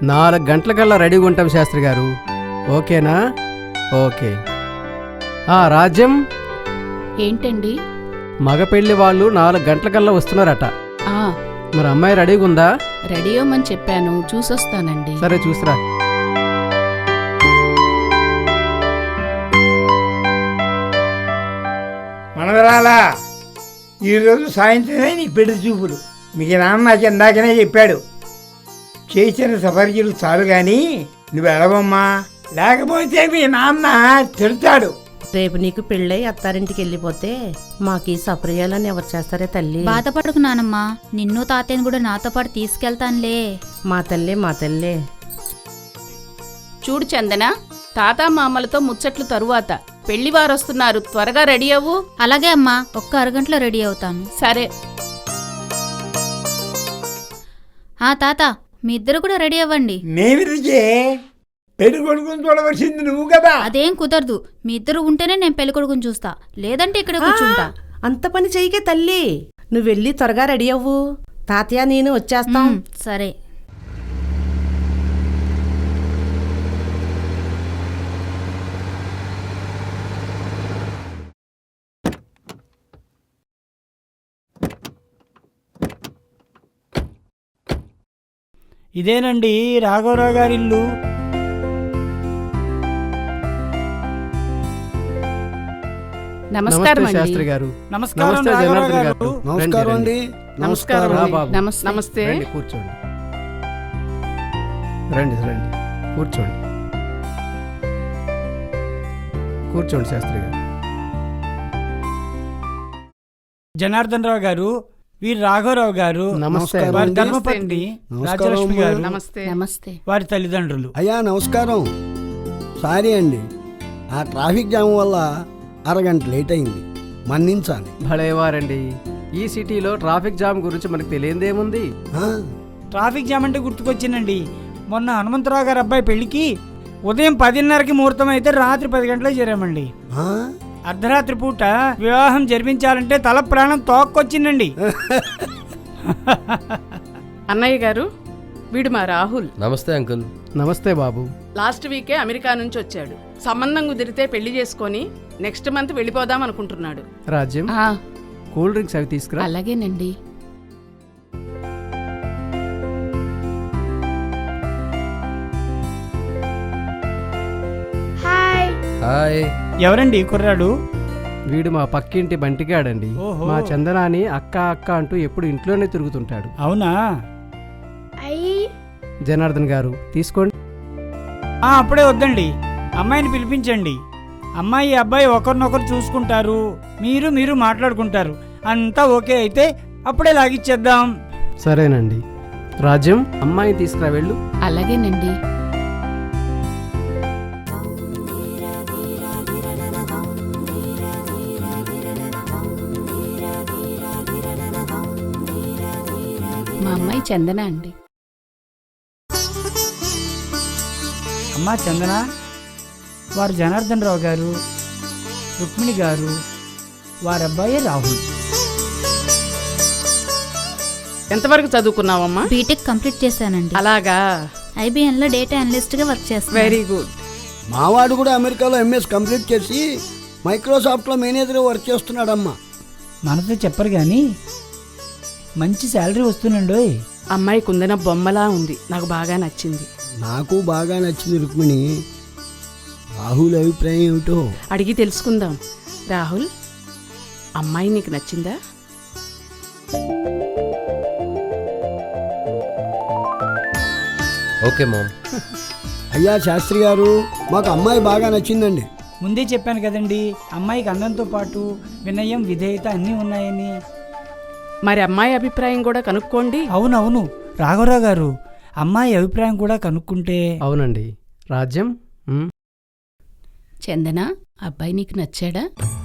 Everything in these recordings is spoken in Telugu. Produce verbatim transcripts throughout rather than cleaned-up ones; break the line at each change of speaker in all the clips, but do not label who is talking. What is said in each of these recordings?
నాలుగు గంటలకల్లా రెడీగా ఉంటాం శాస్త్రి గారు. ఓకేనా? ఓకే. ఆ రాజ్యం,
ఏంటండి?
మగ పెళ్లి వాళ్ళు నాలుగు గంటలకల్లా వస్తున్నారట.
ఆ
మరి అమ్మాయి రెడీగా ఉందా?
రెడీ అవ్వమని చెప్పాను, చూసొస్తానండి.
సరే చూసిరా.
మనవరాలా, ఈరోజు సాయంత్రమే నీ పెళ్లి చూపులు. మీకు నాన్న నాకు ఇందాకనే చెప్పాడు. చేసిన సఫర్జీలు చాలు గాని నువ్వు వెళ్ళవమ్మా, లేకపోతే మీ నాన్న తిడతాడు.
రేపు నీకు పెళ్ళై అత్తారింటికి వెళ్ళిపోతే మాకు ఈ సపర్యాలని ఎవరు చేస్తారే తల్లి?
బాధపడకు నానమ్మా, నిన్ను తాతయ్యను కూడా నాతో పాటు తీసుకెళ్తానులే.
మా తల్లే మా తల్లే.
చూడు చందన, తాత మామలతో ముచ్చట్లు తరువాత. పెళ్లివారు వస్తున్నారు, త్వరగా రెడీ అవ్వు.
అలాగే అమ్మా, ఒక్క అరగంటలో రెడీ అవుతాను.
సరే.
ఆ తాత, మీ ఇద్దరు కూడా రెడీ అవ్వండి.
మేమిరిచే పెళ్లి కొడుకుని చూడవలసింది నువ్వు కదా.
అదేం కుదరదు, మీ ఇద్దరు ఉంటేనే నేను పెళ్లి కొడుకుని చూస్తా, లేదంటే ఇక్కడ కూర్చుంటా.
అంత పని చెయ్యకే తల్లి, నువ్వు వెళ్ళి త్వరగా రెడీ అవ్వు. తాతయ్య నేను వచ్చేస్తాం.
ఉమ్, సరే.
ఇదేనండి రాఘవరావు గారి ఇల్లు.
నమస్కారం అండి.
శాస్త్రి గారు.
నమస్కారం
నమస్తే
రాఘవరావు
జనార్దన్
గారు.
గారు.
నమస్కారం అండి.
నమస్కారం
రా
అండి.
బాబు.
నమస్తే. నమస్తే.
రండి, కూర్చోండి. రండి రండి కూర్చోండి. కూర్చోండి శాస్త్రి గారు.
జనార్దన్ రావు గారు, వీరు రాఘవరావు గారు.
నమస్తే.
వారి ధర్మపత్ని రాజలక్ష్మి గారు.
నమస్తే. నమస్తే.
వారి తల్లిదండ్రులు.
అయ్యా నమస్కారం. సారీ అండి, ఆ ట్రాఫిక్ జామ్ వల్ల అరగంట లేట్ అయింది, మన్నించాలి.
భలేవారండి, ఈ సిటీలో ట్రాఫిక్ జామ్ గురించి మనకు తెలియదేముంది.
ఆ,
ట్రాఫిక్ జామ్ అంటే గుర్తుకొచ్చిందండి, మొన్న హనుమంతరావు గారి అబ్బాయి పెళ్లికి ఉదయం పదిన్నరకి ముహూర్తం అయితే రాత్రి పది గంటలకు చేరామండి.
ఆ?
అర్ధరాత్రి పూట వివాహం జరిపించాలంటే తల ప్రాణం తోక్కొచ్చిందండి.
అన్నయ్య గారు, వీడు మా రాహుల్.
నమస్తే అంకుల్.
నమస్తే బాబు.
లాస్ట్ వీకే అమెరికా నుంచి వచ్చాడు. సంబంధం కుదిరితే పెళ్లి చేసుకొని నెక్స్ట్ మంత్ వెళ్ళిపోదాం అనుకుంటున్నాడు.
రాజ్యం, కూల్ డ్రింక్స్ అవి తీసుకురా.
అలాగేనండి.
హాయ్.
ఎవరండి కుర్రాడు?
వీడు మా పక్కింటి బంటిగాడండి.
ఓహో.
మా చందనాని అక్క అక్క అంటూ ఎప్పుడు ఇంట్లోనే తిరుగుతుంటాడు.
అవునా?
జనార్దన్ గారు తీసుకోండి.
ఆ, అప్పుడే వద్దండి, అమ్మాయిని పిలిపించండి. అమ్మాయి అబ్బాయి ఒకరినొకరు చూసుకుంటారు, మీరు మీరు మాట్లాడుకుంటారు. అంతా ఓకే అయితే అప్పుడే లాగిచ్చేద్దాం.
సరేనండి. రాజ్యం, అమ్మాయిని తీసుకురా వెళ్ళు.
అలాగేనండి. మా అమ్మాయి చందన అండి.
అమ్మా చందన, వారు జనార్దన్ రావు గారు, రుక్మిణి గారు, వారి అబ్బాయి రాహుల్.
ఎంతవరకు చదువుకున్నావమ్మా?
బీటెక్ కంప్లీట్ చేశానండి.
అలాగా.
ఐబీఎన్ లో డేటా అనలిస్ట్ గా వర్క్ చేస్తాను.
Very good.
మావాడు కూడా అమెరికాలో ఎంఎస్ కంప్లీట్ చేసి మైక్రోసాఫ్ట్లో మేనేజర్ వర్క్ చేస్తున్నాడమ్మా.
మనతో చెప్పరు కానీ మంచి శాలరీ వస్తుందండి.
అమ్మాయి కుందన బొమ్మలా ఉంది, నాకు బాగా నచ్చింది.
నాకు బాగా నచ్చింది రుక్మిణి. రాహుల్ అభిప్రాయం ఏమిటో
అడిగి తెలుసుకుందాం. రాహుల్, అమ్మాయి నీకు నచ్చిందా?
Okay ma'am.
అయ్యా శాస్త్రి గారు, మాకు అమ్మాయి బాగా నచ్చిందండి.
ముందే చెప్పాను కదండి, అమ్మాయికి అందంతో పాటు వినయం విధేయత అన్నీ ఉన్నాయని.
మరి అమ్మాయి అభిప్రాయం కూడా కనుక్కోండి.
అవునవును రాఘవరావు గారు, అమ్మాయి అభిప్రాయం కూడా కనుక్కుంటే.
అవునండి. రాజ్యం, ఉమ్.
చందన, అబ్బాయి నీకు నచ్చాడా?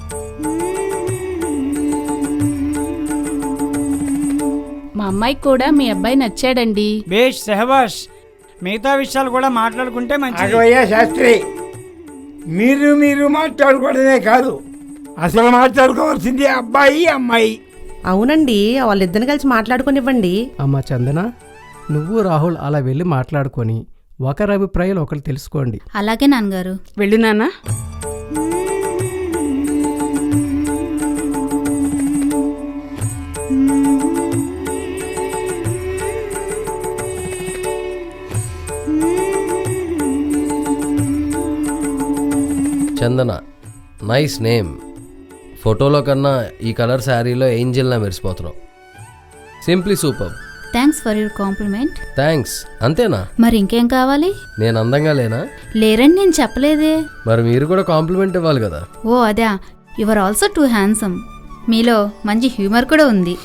మా అమ్మాయికి కూడా మీ అబ్బాయి నచ్చాడండి.
బేష్, సెహబాష్. మిగతా విషయాలు కూడా మాట్లాడుకుంటే మంచిది.
ఆగవయ్యా శాస్త్రి, మీరు మీరు మాట్లాడుకోవడమే కాదు, అసలు మాట్లాడుకోవాల్సింది అబ్బాయి అమ్మాయి.
అవునండి, వాళ్ళిద్దరిని కలిసి మాట్లాడుకునివ్వండి.
అమ్మా చందన, నువ్వు రాహుల్ అలా వెళ్ళి మాట్లాడుకొని ఒకరి అభిప్రాయాలు ఒకరు తెలుసుకోండి.
అలాగే నాన్నగారు.
వెళ్ళు నాన్న.
Chandana, nice name. ఫోటోలో కన్నా ఈ కలర్ శారీలో ఏంజిల్లా మెరిసిపోతున్నావు. Simply super.
Thanks for your compliment.
Thanks. అంతేనా?
మరి ఇంకేం కావాలి?
నేను అందంగా లేనా?
లేరని నేను చెప్పలేదే.
మరి మీరు కూడా కాంప్లిమెంట్ ఇవ్వాలి కదా.
ఓ అదా, యువర్ ఆల్సో టూ హ్యాండ్సమ్. మీలో మంచి హ్యూమర్ కూడా ఉంది.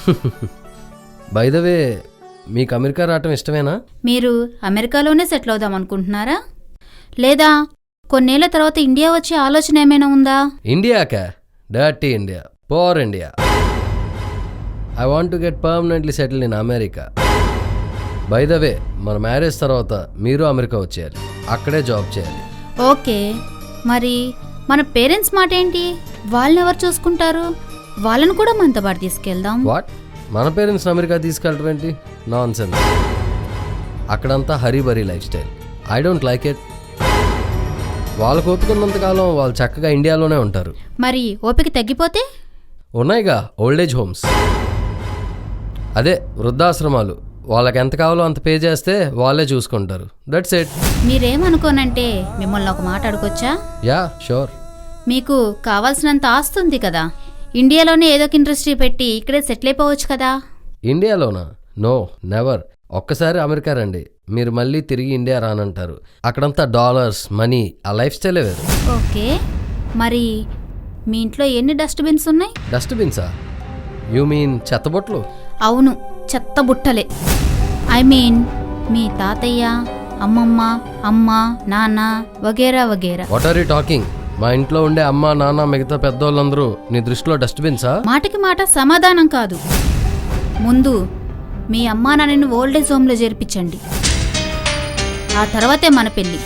బై ద వే, మీకు అమెరికా రావటం ఇష్టమేనా?
మీరు అమెరికాలోనే సెటిల్ అవుదాం అనుకుంటున్నారా, లేదా కొన్నేళ్ల తర్వాత ఇండియా వచ్చే ఆలోచన ఏమైనా ఉందా?
ఇండియాకా? Dirty India, poor India. I want to get permanently settle in America. By the way, మన మ్యారేజ్ తర్వాత మీరు అమెరికా వచ్చేయాలి, అక్కడే జాబ్ చేయాలి.
ఓకే, మరి మన పేరెంట్స్ మాట ఏంటి? వాళ్ళని ఎవరు చూసుకుంటారు? వాళ్ళని కూడా మనతో పాటు తీసుకెళ్దాం.
వాట్? మన పేరెంట్స్ అమెరికా తీసుకెళ్ళటం ఏంటి? Nonsense. అక్కడంతా hurry burry lifestyle. I don't like it. వాళ్ళకు ఓపికన్నంతకాలం వాళ్ళు చక్కగా ఇండియాలోనే ఉంటారు.
మరి ఓపిక తగ్గిపోతే?
ఉన్నాయిగా ఓల్డేజ్ హోమ్స్, అదే వృద్ధాశ్రమాలు. వాళ్ళకి ఎంత కావాలో అంత పే చేస్తే వాళ్ళే చూసుకుంటారు. That's it.
మీరేమనుకోనంటే మిమ్మల్ని ఒక మాట అడగొచ్చా?
Yeah sure.
మీకు కావాల్సినంత ఆస్తుంది కదా, ఇండియాలోనే ఏదో ఒక ఇండస్ట్రీ పెట్టి ఇక్కడే సెటిల్ అయిపోవచ్చు కదా.
ఇండియాలోనా? No, never. ఒక్కసారి అమెరికా రండి, మీరు మళ్ళీ తిరిగి ఇండియా రానంటారు. అక్కడంతా డాలర్స్, మనీ, ఆ లైఫ్ స్టైలే వేరు.
ఓకే, మరి మీ ఇంట్లో ఎన్ని డస్ట్బిన్స్ ఉన్నాయి?
డస్ట్బిన్సా? యూ మీన్ చెత్తబొట్లు?
అవును, చెత్త బుట్టలే. ఐ మీన్ మీ తాతయ్య, అమ్మమ్మ, అమ్మ, నాన్న వగేరా వగేరా.
What are you talking? మా ఇంట్లో ఉండే అమ్మ, నాన్న, మిగతా పెద్దోళ్ళందరూ నీ దృష్టిలో డస్ట్బిన్సా?
మాటకి మాట సమాధానం కాదు. ముందు మీ అమ్మా నాన్నని ఓల్డేజ్ హోమ్లో చేర్పించండి, ఆ తర్వాతే మన పెళ్ళి.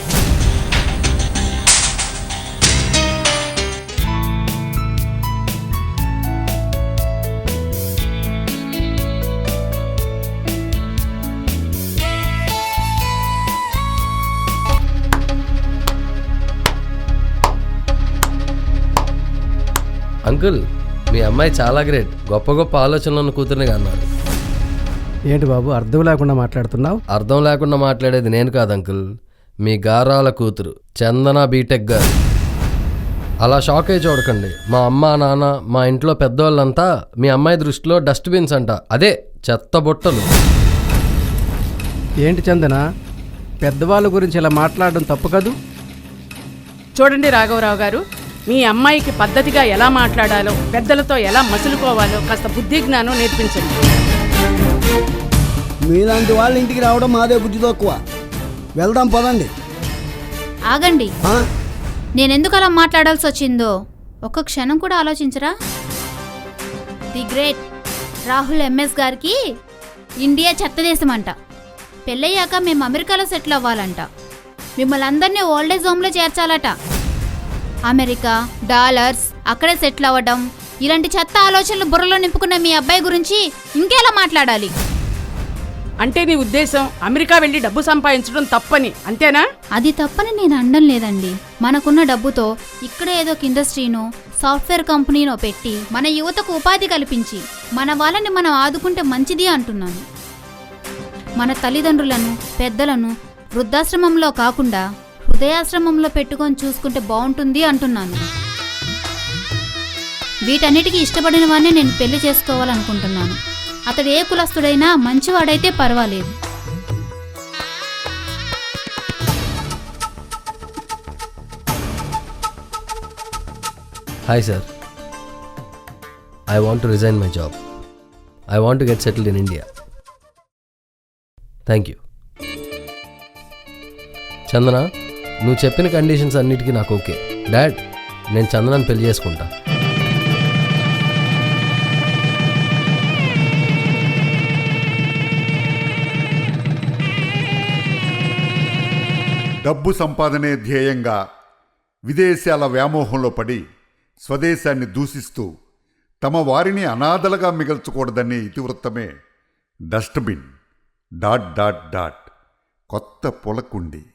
అంకుల్, మీ అమ్మాయి చాలా గ్రేట్. గొప్ప గొప్ప ఆలోచనలను కూతురుని అన్నారు.
ఏంటి బాబు అర్థం లేకుండా మాట్లాడుతున్నావు?
అర్థం లేకుండా మాట్లాడేది నేను కాదు అంకుల్, మీ గారాల కూతురు చందన బీటెక్ గారు. అలా షాక్ అయి చూడకండి. మా అమ్మ, నాన్న, మా ఇంట్లో పెద్దోళ్ళంతా మీ అమ్మాయి దృష్టిలో డస్ట్బిన్స్ అంట, అదే చెత్త బుట్టలు.
ఏంటి చందన, పెద్దవాళ్ళ గురించి ఇలా మాట్లాడడం తప్పు కదూ?
చూడండి రాఘవరావు గారు, మీ అమ్మాయికి పద్ధతిగా ఎలా మాట్లాడాలో, పెద్దలతో ఎలా మసులుకోవాలో కాస్త బుద్ధి జ్ఞానం నేర్పించండి.
మీలాంటి వాళ్ళ ఇంటికి రావడం మాదే బుద్ధి తక్కువ. వెళ్దాం పదండి.
ఆగండి,
ఆ?
నేనెందుకు అలా మాట్లాడాల్సి వచ్చిందో ఒక్క క్షణం కూడా ఆలోచించరా? ది గ్రేట్ రాహుల్ ఎంఎస్ గారికి ఇండియా చెత్త దేశం అంట. పెళ్ళయ్యాక మేము అమెరికాలో సెటిల్ అవ్వాలంట. మిమ్మల్ని అందరినీ ఓల్డేజ్ హోమ్లో చేర్చాలట. అమెరికా, డాలర్స్, అక్కడే సెటిల్ అవ్వడం, ఇలాంటి చెత్త ఆలోచనలు బుర్రలో నింపుకున్న మీ అబ్బాయి గురించి ఇంకెలా మాట్లాడాలి?
అంటే నీ ఉద్దేశం అమెరికా వెళ్ళి డబ్బు సంపాదించడం తప్పని, అంతేనా?
అది తప్పని నేను అనడం లేదండి. మనకున్న డబ్బుతో ఇక్కడ ఏదో ఒక ఇండస్ట్రీనో, సాఫ్ట్వేర్ కంపెనీనో పెట్టి మన యువతకు ఉపాధి కల్పించి మన వాళ్ళని మనం ఆదుకుంటే మంచిది అంటున్నాను. మన తల్లిదండ్రులను, పెద్దలను వృద్ధాశ్రమంలో కాకుండా హృదయాశ్రమంలో పెట్టుకొని చూసుకుంటే బాగుంటుంది అంటున్నాను. వీటన్నిటికీ ఇష్టపడిన వాడిని నేను పెళ్లి చేసుకోవాలనుకుంటున్నాను. అతడు ఏ కులస్తుడైనా మంచివాడైతే పర్వాలేదు.
Hi sir, I want to resign my job. I want to get settled in India. Thank you. Chandana, నువ్వు చెప్పిన కండిషన్స్ అన్నిటికీ నాకు ఓకే. డాడ్, నేను చందనాన్ని పెళ్లి చేసుకుంటా.
డబ్బు సంపాదనే ధ్యేయంగా విదేశాల వ్యామోహంలో పడి స్వదేశాన్ని దూషిస్తూ తమ వారిని అనాథలుగా మిగల్చకూడదనే ఇతివృత్తమే డస్ట్బిన్ డాట్ డాట్ డాట్ కొత్త పొలకుండి.